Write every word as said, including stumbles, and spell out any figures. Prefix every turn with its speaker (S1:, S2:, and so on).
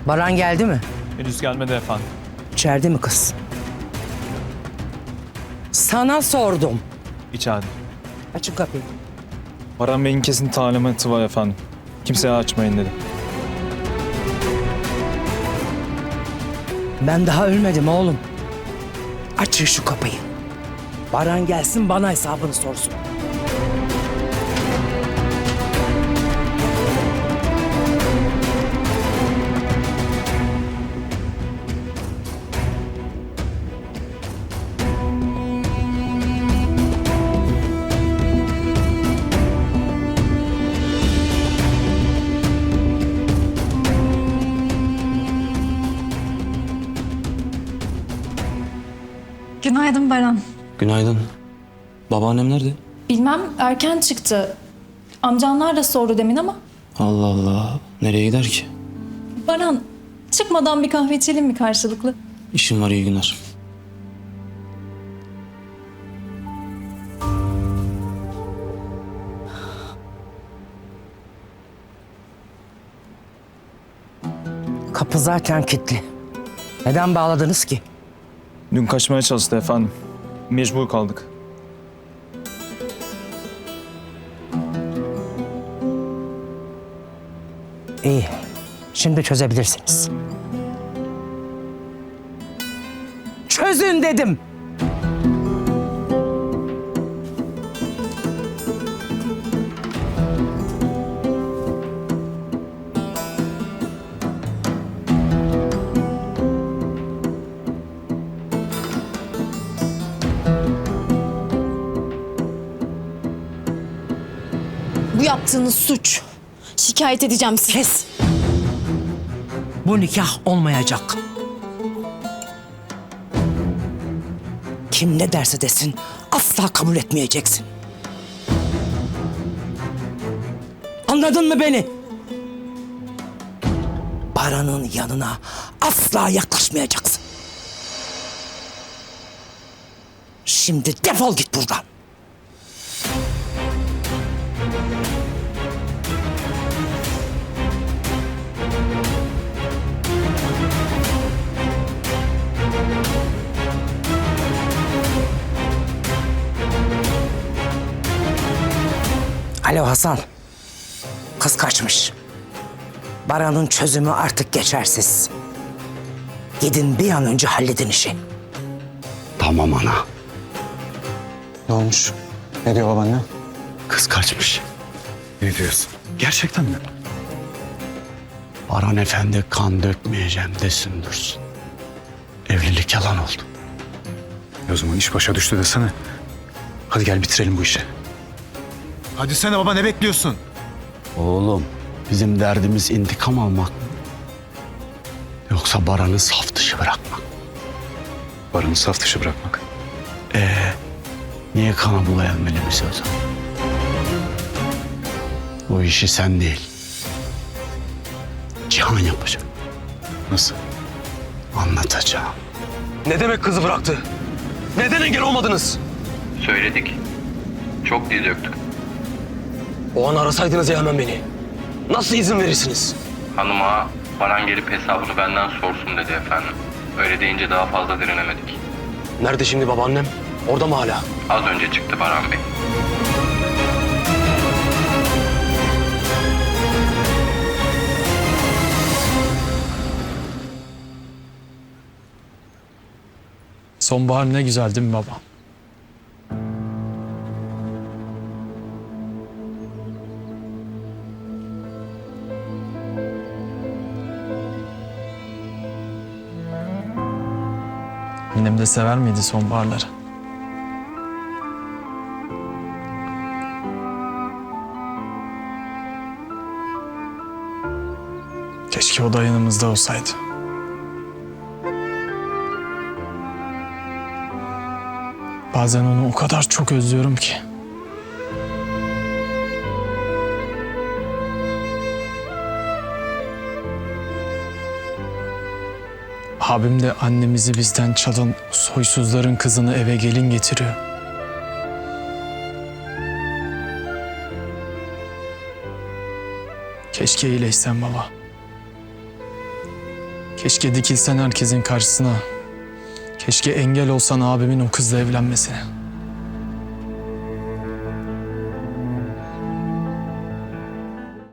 S1: Baran geldi mi?
S2: Henüz gelmedi efendim.
S1: İçeride mi kız? Sana sordum.
S2: İçeride.
S1: Açın kapıyı.
S2: Baran Bey'in kesin talimatı var efendim. Kimseye açmayın dedi.
S1: Ben daha ölmedim oğlum. Açın şu kapıyı. Baran gelsin bana hesabını sorsun.
S3: Günaydın Baran.
S4: Günaydın. Babaannem nerede?
S3: Bilmem erken çıktı. Amcanlar da sordu demin ama.
S4: Allah Allah. Nereye gider ki?
S3: Baran çıkmadan bir kahve içelim mi karşılıklı?
S4: İşim var, iyi günler.
S1: Kapı zaten kilitli. Neden bağladınız ki?
S2: Dün kaçmaya çalıştı efendim. Mecbur kaldık.
S1: İyi. Şimdi çözebilirsiniz. Çözün dedim.
S5: Bu yaptığınız suç. Şikayet edeceğim sizi.
S1: Kes. Bu nikah olmayacak. Kim ne derse desin asla kabul etmeyeceksin. Anladın mı beni? Baran'ın yanına asla yaklaşmayacaksın. Şimdi defol git buradan. Alo Hasan. Kız kaçmış. Baran'ın çözümü artık geçersiz. Gidin bir an önce halledin işi.
S4: Tamam ana.
S6: Ne olmuş? Ne diyor babaanne?
S4: Kız kaçmış.
S6: Ne diyorsun? Gerçekten mi?
S4: Baran Efendi kan dökmeyeceğim desin dursun. Evlilik yalan oldu.
S6: E o zaman iş başa düştü desene. Hadi gel bitirelim bu işi. Hadi sen baba, ne bekliyorsun?
S4: Oğlum, bizim derdimiz intikam almak mı? Yoksa Baran'ı saf dışı bırakmak.
S6: Baran'ı saf dışı bırakmak.
S4: Ee, niye kana bulayalım elimizi o zaman? Bu işi sen değil, Cihan yapacak.
S6: Nasıl?
S4: Anlatacağım.
S7: Ne demek kızı bıraktı? Neden engel olmadınız?
S8: Söyledik. Çok dil döktük.
S7: O an arasaydınız ya hemen beni. Nasıl izin verirsiniz?
S8: Hanıma Baran gelip hesabını benden sorsun dedi efendim. Öyle deyince daha fazla direnemedik.
S7: Nerede şimdi babaannem? Orada mı hala?
S8: Az önce çıktı Baran Bey.
S2: Sonbahar ne güzel değil mi baba? Annem de sever miydi sonbaharları? Keşke o da yanımızda olsaydı. Bazen onu o kadar çok özlüyorum ki. Abim de annemizi bizden çalan soysuzların kızını eve gelin getiriyor. Keşke iyileşsen baba. Keşke dikilsen herkesin karşısına. Keşke engel olsan abimin o kızla evlenmesine.